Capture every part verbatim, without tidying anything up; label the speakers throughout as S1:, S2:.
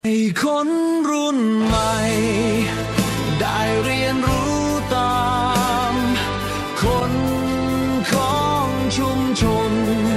S1: ให้คนรุ่นใหม่ได้เรียนรู้ตามคนของชุมชน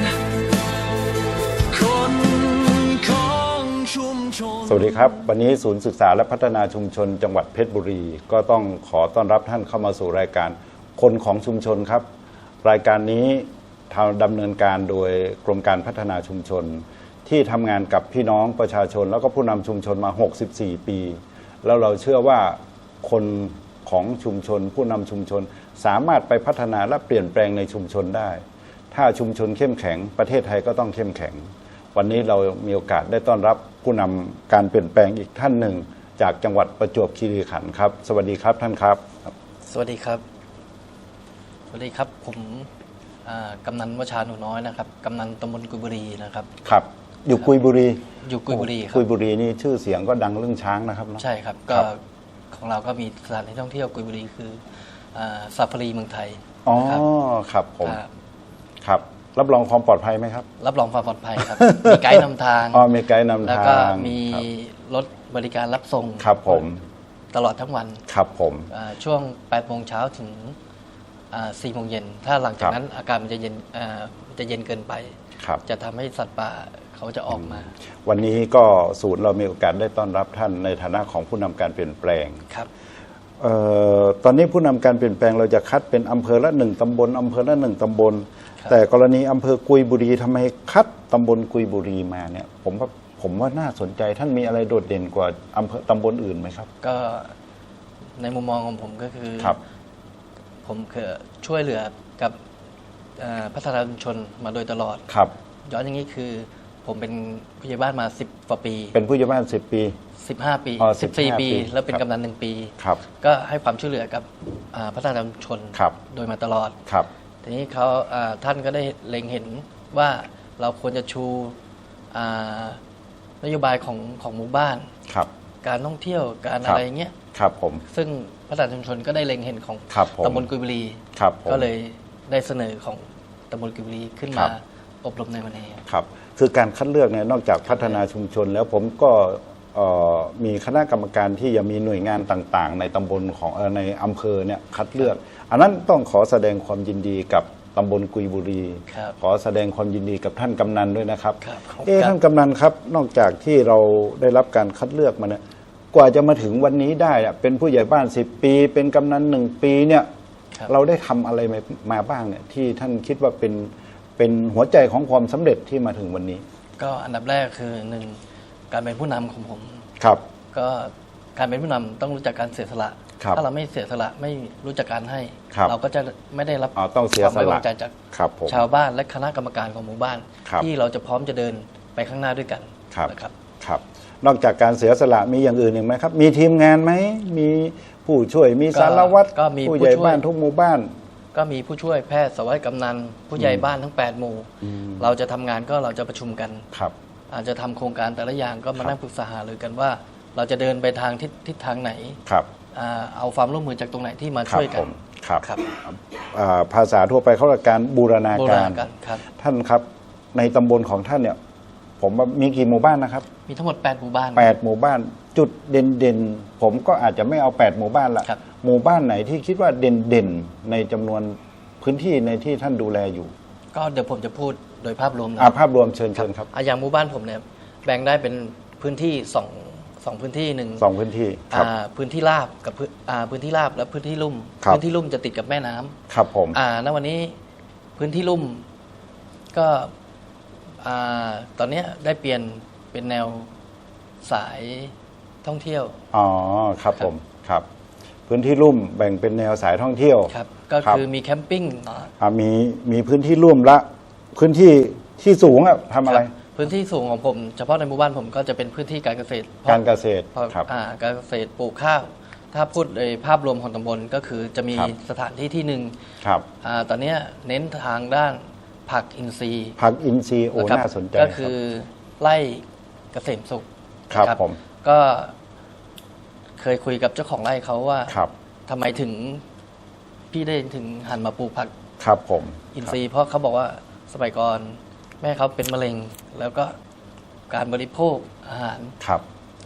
S1: คนของชุมชน
S2: สวัสดีครับวันนี้ศูนย์ศึกษาและพัฒนาชุมชนจังหวัดเพชรบุรีก็ต้องขอต้อนรับท่านเข้ามาสู่รายการคนของชุมชนครับรายการนี้ทำดำเนินการโดยกรมการพัฒนาชุมชนที่ทำงานกับพี่น้องประชาชนแล้วก็ผู้นำชุมชนมาหกสิบสี่ปีแล้วเราเชื่อว่าคนของชุมชนผู้นำชุมชนสามารถไปพัฒนาและเปลี่ยนแปลงในชุมชนได้ถ้าชุมชนเข้มแข็งประเทศไทยก็ต้องเข้มแข็งวันนี้เรามีโอกาสได้ต้อนรับผู้นำการเปลี่ยนแปลงอีกท่านหนึ่งจากจังหวัดประจวบคีรีขันธ์ครับสวัสดีครับท่านครับ
S3: สวัสดีครับสวัสดีครับผมกำนันวชาหนูน้อยนะครับกำนันตำบลกุยบุรีนะครับ
S2: ครับอยู่กุยบุรี
S3: อยู่กุยบุรีครับ
S2: กุยบุรีนี่ชื่อเสียงก็ดังเรื่องช้างนะครับ
S3: ใช่ครับก็ของเราก็มีสถานที่ท่องเที่ยวกุยบุรีคือซาฟารีเมืองไทย
S2: อ๋อครับผมครับรับรองความปลอดภัยไหมครับ
S3: รับรองความปลอดภัยครับมีไกด์นำทาง
S2: อ๋อมีไกด์นำทาง
S3: แล้วก็มีรถบริการรับส่ง
S2: ครับผม
S3: ตลอดทั้งวัน
S2: ครับผม
S3: ช่วงแปดโมงเช้าถึงสี่โมงเย็นถ้าหลังจากนั้นอากาศมันจะเย็นจะเย็นเกินไปจะทำให้สัตว์ป่าเขาจะออกมา
S2: วันนี้ก็ศูนย์เรามีโอกาสได้ต้อนรับท่านในฐานะของผู้นำการเปลี่ยนแปลง
S3: ครับ
S2: ตอนนี้ผู้นำการเปลี่ยนแปลงเราจะคัดเป็นอำเภอละหนึ่งตำบลอำเภอละหนึ่งตำบลแต่กรณีอำเภอกุยบุรีทำไมคัดตำบลกุยบุรีมาเนี่ยผมว่าผมว่าน่าสนใจท่านมีอะไรโดดเด่นกว่าอำเภอตำบลอื่นไหมครับ
S3: ก็ในมุมมองของผมก็คือผมเคยช่วยเหลือกับพัฒนาชุมชนมาโดยตลอด
S2: ครับ
S3: ย้อนอย่างนี้คือผมเป็นผู้ใหญ่บ้านมาสิบกว่าปี
S2: เป็นผู้ใหญ่บ้านสิบปี
S3: สิบห้าปีสิบสี่ปีแล้วเป็นกำนันหนึ่งปี
S2: ครับ
S3: ก็ให้ความช่วยเหลือกับพัฒนาชุมชนโดยมาตลอด
S2: ครับ
S3: ทีนี้เขาท่านก็ได้เล็งเห็นว่าเราควรจะชูนโยบายของของหมู่บ้าน
S2: ครับ
S3: การท่องเที่ยวการอะไรเงี้ย
S2: ครับผม
S3: ซึ่งพัฒนาชุมชนก็ได้เล็งเห็นของตำบลกุยบุรีก็เลยได้เสนอของตำบลกุยบุรีขึ้นมาอบรมในวันนี้
S2: ครับคือการคัดเลือกเนี่ยนอกจากพัฒนาชุมชนแล้วผมก็มีคณะกรรมการที่ยังมีหน่วยงานต่างๆในตำบลของในอำเภอเนี่ยคัดเลือกอันนั้นต้องขอแสดงความยินดีกับตำบลกุยบุรีขอแสดงความยินดีกับท่านกำนันด้วยนะครับเอ๊ะท่านกำนันครับนอกจากที่เราได้รับการคัดเลือกมาเนี่ยกว่าจะมาถึงวันนี้ได้เป็นผู้ใหญ่บ้านสิบปีเป็นกำนันหนึ่งปีเนี่ยเราได้ทำอะไรมาบ้างเนี่ยที่ท่านคิดว่าเป็นเป็นหัวใจของความสำเร็จที่มาถึงวันนี้
S3: ก็อันดับแรกคือหนึ่งการเป็นผู้นำของผม
S2: ครับ
S3: ก็การเป็นผู้นำต้องรู้จักการเสียสละถ้าเราไม่เสียสละไม่รู้จักการให้เราก็จะไม่ได้รับ
S2: ความไว้
S3: วางใจจากชาวบ้านและคณะกรรมการของหมู่บ้านที่เราจะพร้อมจะเดินไปข้างหน้าด้วยกัน
S2: นะครับครับนอกจากการเสียสละมีอย่างอื่นอีกไหมครับมีทีมงานไหมมีผู้ช่วยมีสารวัตรผู้ใหญ่บ้านทุกหมู่บ้าน
S3: ก็มีผู้ช่วยแพทย์สวัสดิกำนันผู้ใหญ่บ้านทั้งแปดหมู่เราจะทำงานก็เราจะประชุมกันอาจจะทำโครงการแต่ละอย่างก็มานั่งปรึกษาหารือกันว่าเราจะเดินไปทางทิศทางไหนเอาความร่วมมือจากตรงไหนที่มาช่วยกัน
S2: ครับภาษาทั่วไปเขาเรียกการบูรณาการท่านครับในตำบลของท่านเนี่ยผมว่ามีกี่หมู่บ้านนะครับ
S3: มีทั้งหมดแปดหมู่บ้าน
S2: แปดหมู่บ้านจุดเด่นๆผมก็อาจจะไม่เอาแปดหมู่บ้านละหมู่บ้านไหนที่คิดว่าเด่นๆในจำนวนพื้นที่ในที่ท่านดูแลอยู่
S3: ก็เดี๋ยวผมจะพูดโดยภาพรวมนะ
S2: ภาพรวมเชิญเชิญครับ
S3: อย่างหมู่บ้านผมเนี่ยแบ่งได้เป็นพื้นที่สองสองพื้นที่หนึ่ง
S2: สองพื้นที่ครับ
S3: พื้นที่ราบกับพื้นที่ราบและพื้นที่ลุ่มพื้นที่ลุ่มจะติดกับแม่น้ำ
S2: ครับผม
S3: อ่าณวันนี้พื้นที่ลุ่มก็ตอนนี้ได้เปลี่ยนเป็นแนวสายท่องเที่ยว
S2: อ๋อครับผมครับพื้นที่ลุ่มแบ่งเป็นแนวสายท่องเที่ยว
S3: ครับก็คือมีแคมปิ้ง
S2: อ่ามีมีพื้นที่ลุ่มละพื้นที่ที่สูงอ่ะทำอะไร
S3: พื้นที่สูงของผมเฉพาะในหมู่บ้านผมก็จะเป็นพื้นที่การเกษตร
S2: การเกษตร
S3: ครับอ่าการเกษตรปลูกข้าวถ้าพูดในภาพรวมของตำบลก็คือจะมีสถานที่ที่หนึ่ง
S2: ครับ
S3: อ่าตอนนี้เน้นทางด้านผักอินทรีย์
S2: ผักอินทรีย์โอ้น่าสนใจ
S3: ก็คือไร่เกษมสุข
S2: ครับผม
S3: ก็เคยคุยกับเจ้าของไร่เขาว่าทำไมถึงพี่ได้ถึงหันมาปลูกผัก
S2: ครับผม
S3: อินทรีย์เพราะเขาบอกว่าสมัยก่อนแม่เขาเป็นมะเร็งแล้วก็การบริโภคอาหาร
S2: ครับ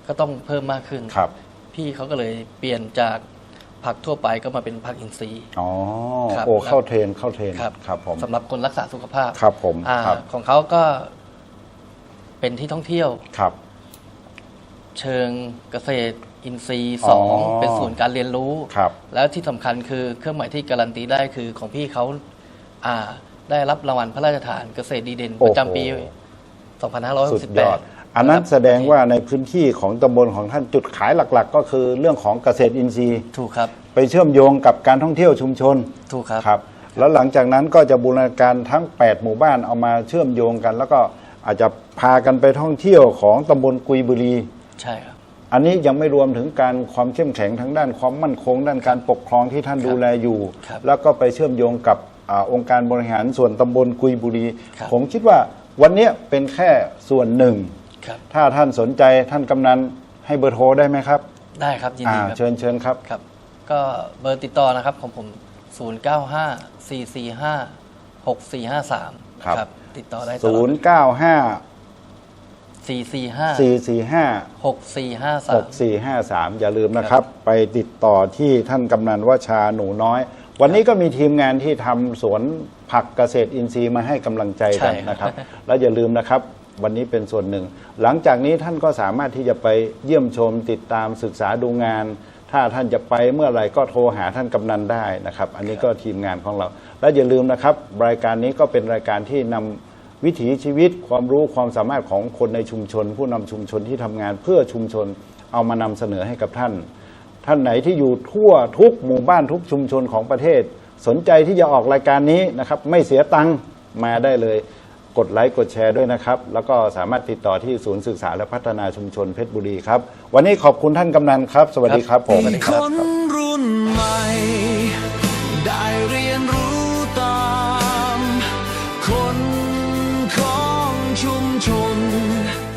S3: ก็ต้องเพิ่มมากขึ้น
S2: ครับ
S3: พี่เขาก็เลยเปลี่ยนจากผักทั่วไปก็มาเป็นผักอินทรีย์
S2: อ๋อ
S3: ครับ
S2: โอ้เข้าเทรนเข้าเทรน
S3: ครับ
S2: ครับผม
S3: สำหรับคนรักษาสุขภาพ
S2: ครับผม
S3: อ่า
S2: ครับ
S3: ของเขาก็เป็นที่ท่องเที่ยว
S2: ครับ
S3: เชิงเกษตรอินทรีย์สอง
S2: อ๋อ
S3: เป็นศูนย์การเรียนรู้
S2: ครับ
S3: แล้วที่สำคัญคือเครื่องหมายที่การันตีได้คือของพี่เขาอ่าได้รับรางวัลพระราชทานเกษตรดีเด่นประจำปี
S2: โอ้โห
S3: สองพันห้าร้อยห
S2: สุ
S3: ก
S2: ด
S3: สิบ
S2: ย
S3: แป
S2: อ
S3: ด
S2: ด อันนั้นแสดงว่าในพื้นที่ของตำบลของท่านจุดขายหลักๆ ก็คือเรื่องของเกษตรอินทรีย์
S3: ถูกครับ
S2: ไปเชื่อมโยงกับการท่องเที่ยวชุมชน
S3: ถูกครับ
S2: ครับ แล้วหลังจากนั้นก็จะบูรณาการทั้ง แปด หมู่บ้านเอามาเชื่อมโยงกัน แล้วก็อาจจะพากันไปท่องเที่ยวของตำบลกุยบุรี
S3: ใช่ครับ
S2: อันนี้ยังไม่รวมถึงการความเข้มแข็งทางด้านความมั่นคง ด้านการปกครองที่ท่านดูแลอยู่
S3: ครับ
S2: แล้วก็ไปเชื่อมโยงกับอาองค์การบริหารส่วนตำบลกุยบุรี
S3: ครับ
S2: ผมคิดว่าวันนี้เป็นแค่ส่วนหนึ่ง
S3: ครับ
S2: ถ้าท่านสนใจท่านกำนันให้เบอร์โทรได้ไหมครับ
S3: ได้ครับยินดี
S2: อ่า
S3: ครับ
S2: เชิญเชิญครับ
S3: ครับ ก็เบอร์ติดต่อนะครับของผม ศูนย์ เก้า ห้า สี่ สี่ ห้า หก สี่ ห้า สาม
S2: ครับ
S3: ติดต่อได้ตลอด
S2: ศูนย์ เก้า ห้า
S3: สี่ สี่ ห้า
S2: สี่ สี่ ห้า
S3: หก สี่ ห้า สา
S2: ห
S3: ม
S2: ก สี่ ห้า สาม อย่าลืมนะครับ ไปติดต่อที่ท่านกำนันวชาหนูน้อย วันนี้ก็มีทีมงานที่ทำสวนผักเกษตรอินทรีย์มาให้กำลังใจกัน
S3: ใช่ครับ
S2: นะครับ แล้วอย่าลืมนะครับ วันนี้เป็นส่วนหนึ่ง หลังจากนี้ท่านก็สามารถที่จะไปเยี่ยมชมติดตามศึกษาดูงาน ถ้าท่านจะไปเมื่อไหร่ก็โทรหาท่านกำนันได้นะครับ อันนี้ก็ทีมงานของเรา และอย่าลืมนะครับ รายการนี้ก็เป็นรายการที่นำวิถีชีวิต ความรู้ความสามารถของคนในชุมชน ผู้นำชุมชนที่ทำงานเพื่อชุมชนเอามานำเสนอให้กับท่าน ท่านไหนที่อยู่ทั่วทุกหมู่บ้านทุกชุมชนของประเทศ สนใจที่จะออกรายการนี้นะครับ ไม่เสียตังค์มาได้เลย กดไลค์กดแชร์ด้วยนะครับ แล้วก็สามารถติดต่อที่ศูนย์ศึกษาและพัฒนาชุมชนเพชรบุรีครับ วันนี้ขอบคุณท่านกำนันครับ สวัสดีครับผม
S3: สวัสดี
S1: ค
S3: รับ
S1: นรุ่นใหม่ ได้เรียนรู้ตาม คนของชุมชน